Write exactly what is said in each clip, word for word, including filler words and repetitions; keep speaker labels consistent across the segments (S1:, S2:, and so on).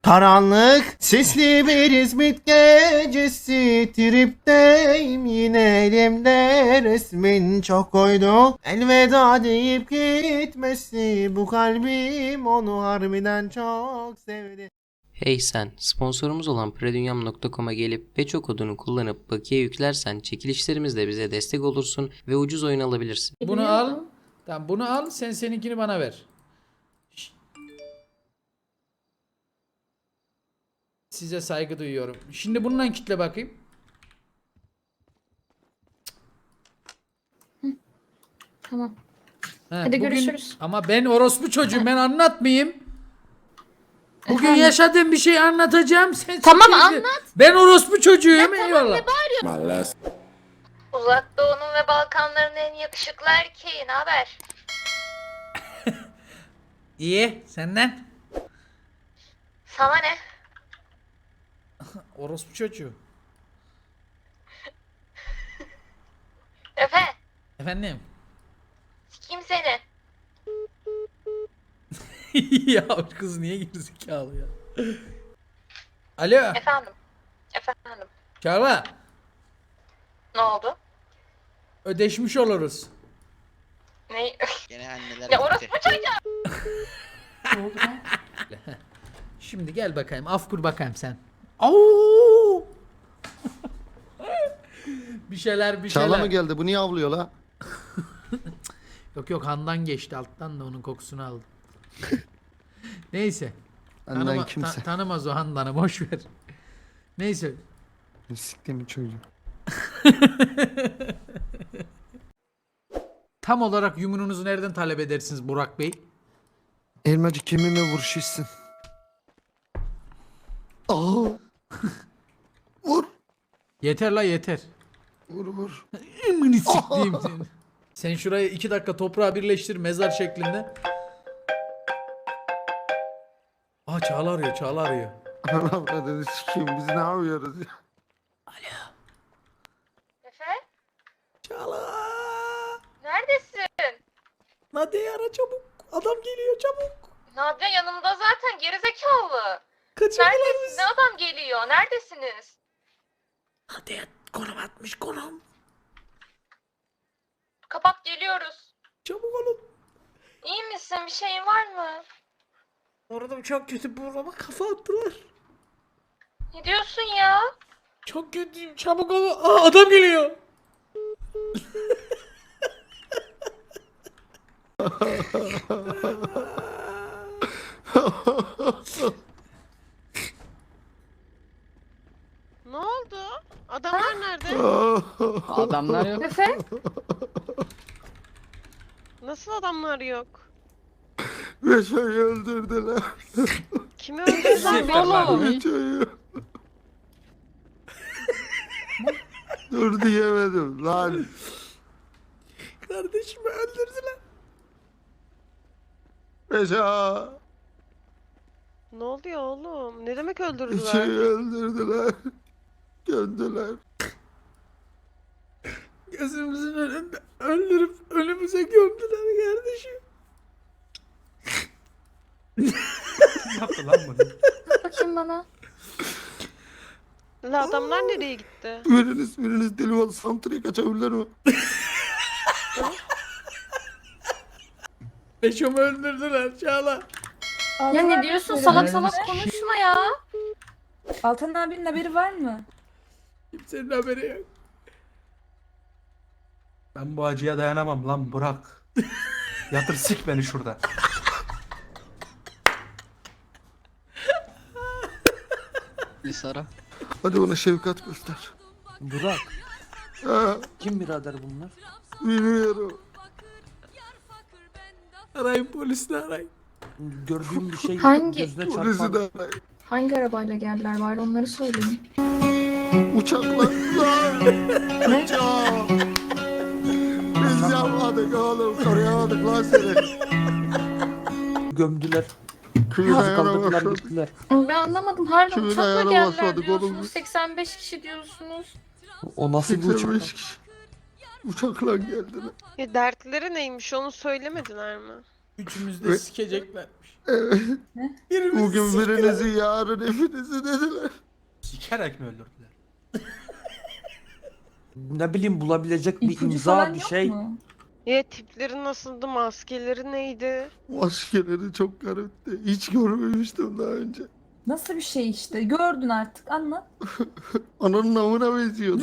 S1: Karanlık, sisli bir İzmit gecesi, tripteyim yine elimde resmin çok koydu. Elveda deyip gitmesi, bu kalbim onu harbiden çok sevdi.
S2: Hey sen, sponsorumuz olan predunyam nokta com'a gelip Beço kodunu kullanıp bakiye yüklersen çekilişlerimizle bize destek olursun ve ucuz oyun alabilirsin.
S3: Bunu al. Tamam bunu al. Sen seninkini bana ver. Şşt. Size saygı duyuyorum. Şimdi bununla kitle bakayım.
S4: Tamam.
S3: Ha,
S4: Hadi
S3: bugün-
S4: görüşürüz.
S3: Ama ben orospu çocuğum, ben anlatmayayım. Bugün
S4: Efendim?
S3: yaşadığım bir şey anlatacağım. Sen
S4: Tamam,
S3: siktir git.
S4: anlat.
S3: Ben orospu çocuğuyum, eyvallah.
S5: Uzak Doğu'nun ve Balkanların en yakışıklı erkeği. Ne haber?
S3: İyi, senden.
S5: Sana ne?
S3: Orospu çocuğu.
S5: Efe,
S3: Efendim.
S5: sikeyim seni.
S3: Ya kız niye gerizekalı ya? Alo,
S5: Efendim. Efendim.
S3: Çağla.
S5: Ne oldu?
S3: Ödeşmiş oluruz.
S5: Ne?
S6: Gene anneler
S5: Ya
S6: gitti.
S5: orospu çocuğu.
S3: Şimdi gel bakayım, af kur bakayım sen. Au! bir şeyler bir şeyler.
S1: Çağla mı geldi? Bu niye avlıyor la?
S3: Yok yok, Handan geçti alttan da onun kokusunu aldım. Neyse.
S1: Benden
S3: Tanıma,
S1: kimse.
S3: ta- tanımaz o Handan'ı, boş ver. Neyse.
S1: Siktiğimi çocuğum.
S3: Tam olarak yumununuzu nereden talep edersiniz Burak Bey?
S1: Elmacı kiminle vuruşuşsun? Aa! Vur!
S3: Yeter la yeter.
S1: Vur vur.
S3: Ümünü siktiğim seni. Sen şurayı iki dakika toprağa birleştir mezar şeklinde. Aa Çağla arıyor, Çağla arıyor.
S1: Ana dedi sikeyim, biz ne yapıyoruz ya?
S5: Efe,
S3: Çağla!
S5: neredesin?
S3: Nadia'yı ara çabuk. Adam geliyor çabuk.
S5: Nadia yanımda zaten, gerizekalı.
S3: Kaçırdılar
S5: Neredesin?
S3: bizi.
S5: Ne adam geliyor? Neredesiniz?
S3: Nadia konum atmış konum.
S5: Kapat, geliyoruz.
S3: Çabuk olun.
S5: İyi misin? Bir şeyin var mı?
S3: Orada çok kötü burama kafa attılar.
S5: Ne diyorsun ya?
S3: Çok kötüyüm, çabuk olun. Aa adam geliyor.
S7: Ne oldu? Adamlar nerede?
S6: Adamlar yok.
S4: Efe?
S7: Nasıl adamlar yok?
S1: Beşo'yu öldürdüler.
S7: Kimi öldürdüler oğlum?
S1: Beşo'yu. Dur diyemedim lan.
S3: Kardeşimi öldürdüler.
S1: Beşo.
S7: Ne oluyor oğlum? Ne demek
S1: Beşo'yu
S7: öldürdüler?
S1: öldürdüler. Gömdüler.
S3: Gözümüzün önünde öldürüp önümüze gömdüler kardeşim.
S8: Yaptı lan bunu.
S4: Bakayım bana.
S7: La adamlar nereye gitti?
S1: Biriniz biriniz deli ol, santriye kaçabilir mi?
S3: Beşomu öldürdüler Çağla.
S4: Ya ne diyorsun? Salak salak konuşma ya.
S9: Altan abinin haberi var mı?
S3: Kimsenin haberi yok.
S8: Ben bu acıya dayanamam lan Burak. Yatır sik beni şurada.
S6: Bir Sara.
S1: Hadi ona şefkat göster.
S8: Burak.
S1: Ha,
S8: Kim birader bunlar?
S1: bilmiyorum.
S3: Arayın polisini arayın.
S8: Gördüğüm bir şey
S4: Hangi-
S8: gözüne
S1: Polisi
S8: çarpan.
S1: de
S4: Hangi arabayla geldiler bari onları söyleyin.
S1: uçakla. Lan! Uçak! Biz yapmadık oğlum. Koruyamadık lan seni.
S8: Gömdüler.
S1: Köyün
S8: Nasıl
S1: ayağına
S8: kaldırdılar
S1: basmadık.
S8: gittiler.
S4: Ben anlamadım. Harbiden
S1: Kimin
S4: uçakla
S1: ayağına
S4: geldiler
S1: basmadık oğlum
S4: diyorsunuz.
S1: biz?
S4: seksen beş kişi diyorsunuz.
S8: O nasıl bir
S1: seksen
S8: uçak?
S1: beş kişi. Uçakla geldiler.
S7: Ya dertleri neymiş onu söylemediler mi?
S3: Üçümüz de
S1: Ve-
S3: sikeceklermiş.
S1: Evet.
S3: Birimiz
S1: Bugün
S3: siktiler.
S1: birinizi yarın hepinizi dediler.
S8: Sikerek mi öldürdüler? Ne bileyim bulabilecek bir
S9: İpucu
S8: imza
S9: falan
S8: bir
S9: yok
S8: şey.
S9: mu?
S7: Ya tipleri nasıldı? Maskeleri neydi?
S1: Maskeleri çok garipti. Hiç görmemiştim daha önce.
S9: Nasıl bir şey işte? Gördün artık anlat.
S1: Ananın amına benziyordu.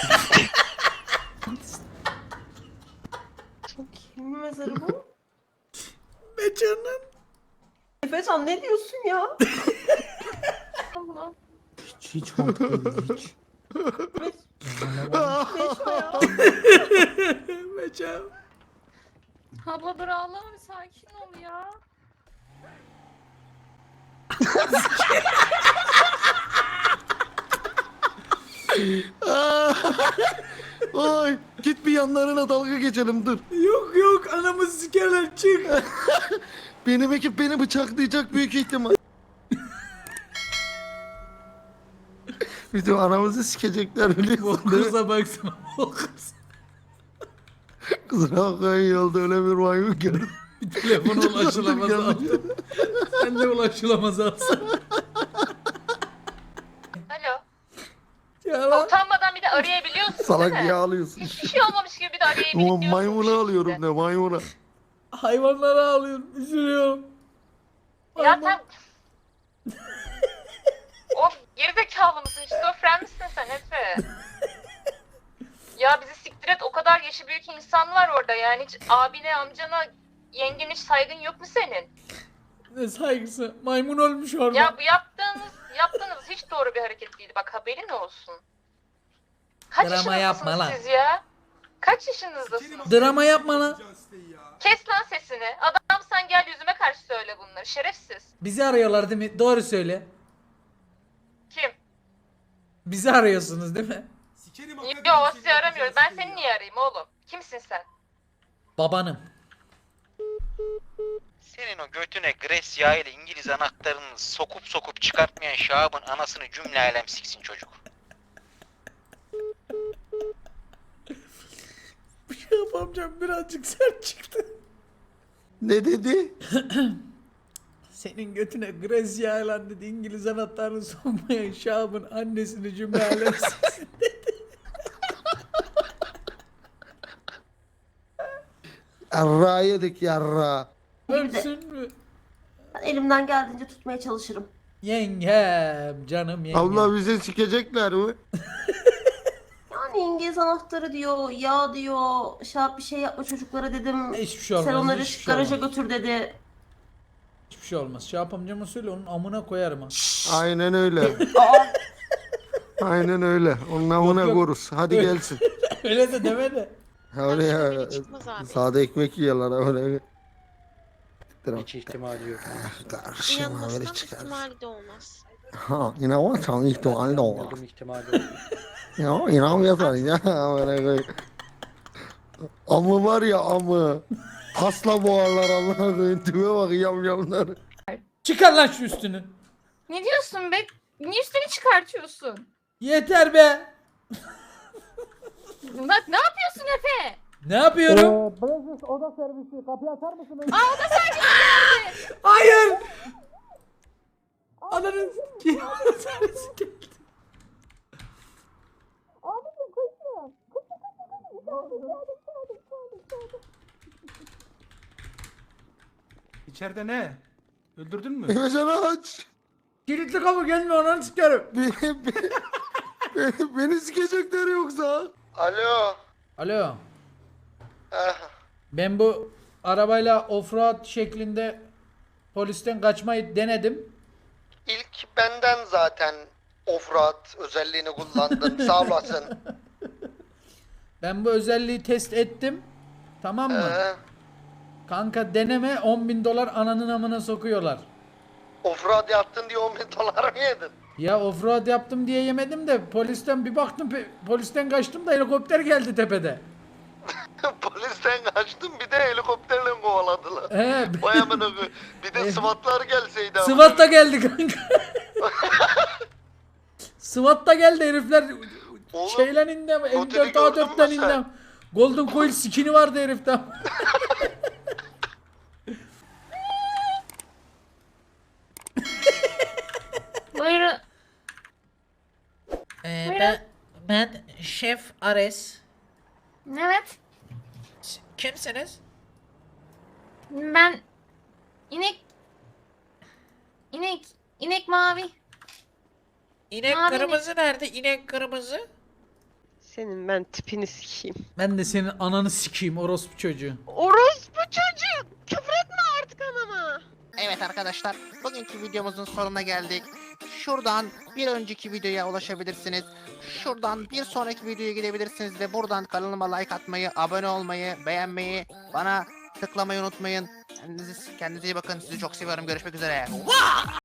S10: Kimin mezarı bu?
S3: Be canım.
S10: Efecan ne diyorsun ya?
S8: Hiç hiç mantıklı değil, hiç.
S10: Beşo ya.
S3: Be canım.
S4: Abla dur ağlama bir sakin ol ya.
S1: Ay git bir yanlarına dalga geçelim dur.
S3: Yok yok anamı sikerler çık.
S1: Benim ekip beni bıçaklayacak büyük ihtimal. Bizim anamızı sikecekler biliyorsun değil mi?
S3: Kıza baksana. O kız.
S1: Kızına bakayım yolda öyle bir maymun gördüm.
S3: Telefona ulaşılamaz aldım. Sen de ulaşılamaz alsın.
S5: Alo.
S3: Ya lan.
S5: Utanmadan bir de arayabiliyorsun
S1: Salak
S5: değil mi?
S1: niye ağlıyorsun?
S5: Hiçbir şey olmamış gibi bir de arayabiliyorsun.
S1: Ama maymunu alıyorum ne maymuna.
S3: Hayvanlara ağlıyorum. Üzülüyorum.
S5: Ya sen... Of gerizekalı mısın? Şizofren misin sen Efe? Ya bizi siktir et, o kadar yaşı büyük insan var orada yani hiç abine, amcana, yengene hiç saygın yok mu senin?
S3: Ne saygısı. Maymun ölmüş orada.
S5: Ya bu yaptığınız, yaptığınız hiç doğru bir hareket değildi, bak haberin olsun. Kaç
S3: Drama
S5: yaşındasınız
S3: yapma lan.
S5: siz ya? Kaç yaşınızdasınız?
S3: Drama yapma lan.
S5: Kes lan sesini. Adam sen gel yüzüme karşı söyle bunları, şerefsiz.
S3: Bizi arıyorlar değil mi? Doğru söyle.
S5: Kim?
S3: Bizi arıyorsunuz değil mi?
S5: Yo sizi aramıyoruz, ben seni niye arayayım oğlum? Kimsin sen?
S3: Babanım.
S11: Senin o götüne Gresya ile İngiliz anahtarını sokup sokup çıkartmayan Şahab'ın anasını cümle alem siksin çocuk.
S3: Bir şey yapamayacağım, birazcık sert çıktı.
S1: Ne dedi?
S3: Senin götüne Gracia ile dedi İngiliz anahtarını sokmayan Şahab'ın annesini cümle alem siksin.
S1: Yarra yedik yarra.
S3: Ölsün mü?
S10: Ben elimden geldiğince tutmaya çalışırım.
S3: Yengem, canım yengem.
S1: Abla bizi sikecekler mi?
S10: Yani İngiliz anahtarı diyor, ya diyor, şap bir şey yapma çocuklara dedim.
S3: Hiçbir şey olmaz.
S10: Sen onları
S3: hiçbir şey
S10: garaja
S3: olmaz.
S10: götür dedi.
S3: Hiçbir şey olmaz. Şahap amcama söyle, onun amına koyarım ha.
S1: Aynen öyle.
S10: Aa,
S1: Aynen öyle. Onun amına
S3: yok.
S1: koruz. Hadi
S3: Öyle.
S1: gelsin.
S3: Öyle de deme de.
S1: Oraya sade ekmek yiyorlar öyle.
S8: Hiç ihtimali yok.
S1: Tarşıma böyle çıkar.
S10: de olmaz.
S1: Ha inanmazsan ihtimali de olur.
S8: Yardım ihtimali yok.
S1: Ya inanmıyorsan ya böyle böyle. Amı var ya amı. Pasla boğarlar Allah'a koyun. Tüme bak yamyamlar.
S3: Çıkar lan şu üstünü.
S4: Ne diyorsun be? Niye üstünü çıkartıyorsun?
S3: Yeter be.
S4: Bak ne yapıyorsun Efe?
S3: Ne yapıyorum?
S4: Aa o da servis.
S3: Hayır. Ananı s**eyim. Servisi geldi.
S8: İçeride ne? Öldürdün mü?
S1: Efecan aç.
S3: Kilitli kapı gelme, ananı sikerim.
S1: Beni, beni, beni, beni sikecekler yoksa. Alo.
S3: Alo.
S1: Ah,
S3: Ben bu arabayla offroad şeklinde polisten kaçmayı denedim.
S1: İlk benden zaten offroad özelliğini kullandın. Sağ olasın.
S3: Ben bu özelliği test ettim. Tamam mı?
S1: Ee,
S3: Kanka deneme, on bin dolar ananın amına sokuyorlar.
S1: offroad yaptın diye on bin dolar mı yedin?
S3: Ya offroad yaptım diye yemedim de polisten bir baktım, pe- polisten kaçtım da helikopter geldi tepede.
S1: Polisten kaçtın bir de helikopterle kovaladılar.
S3: He,
S1: Vay amına koyayım. Bir de SWAT'lar gelseydi. amına
S3: SWAT da geldi kanka. SWAT da geldi herifler.
S1: Oğlum,
S3: Şeyle indi ama M dört A
S1: gördün
S3: dörtten
S1: mü
S3: indi
S1: sen?
S3: ama. Golden Coil skin'i vardı herifte.
S4: Buyurun.
S3: Ee,
S4: Buyurun.
S3: ben, ben Şef Ares.
S4: Evet.
S3: S- Kimsiniz?
S4: Ben inek inek inek mavi.
S3: İnek
S4: Mavi
S3: kırmızı nerede? İnek kırmızı.
S7: Senin ben tipini sikeyim.
S3: Ben de senin ananı sikeyim orospu çocuğu.
S7: Orospu çocuk! Küfür etme artık anama!
S11: Evet arkadaşlar, bugünkü videomuzun sonuna geldik. Şuradan bir önceki videoya ulaşabilirsiniz. Şuradan bir sonraki videoya gidebilirsiniz ve buradan kanalıma like atmayı, abone olmayı, beğenmeyi, bana tıklamayı unutmayın. Kendinize, kendinize iyi bakın. Sizi çok seviyorum. Görüşmek üzere.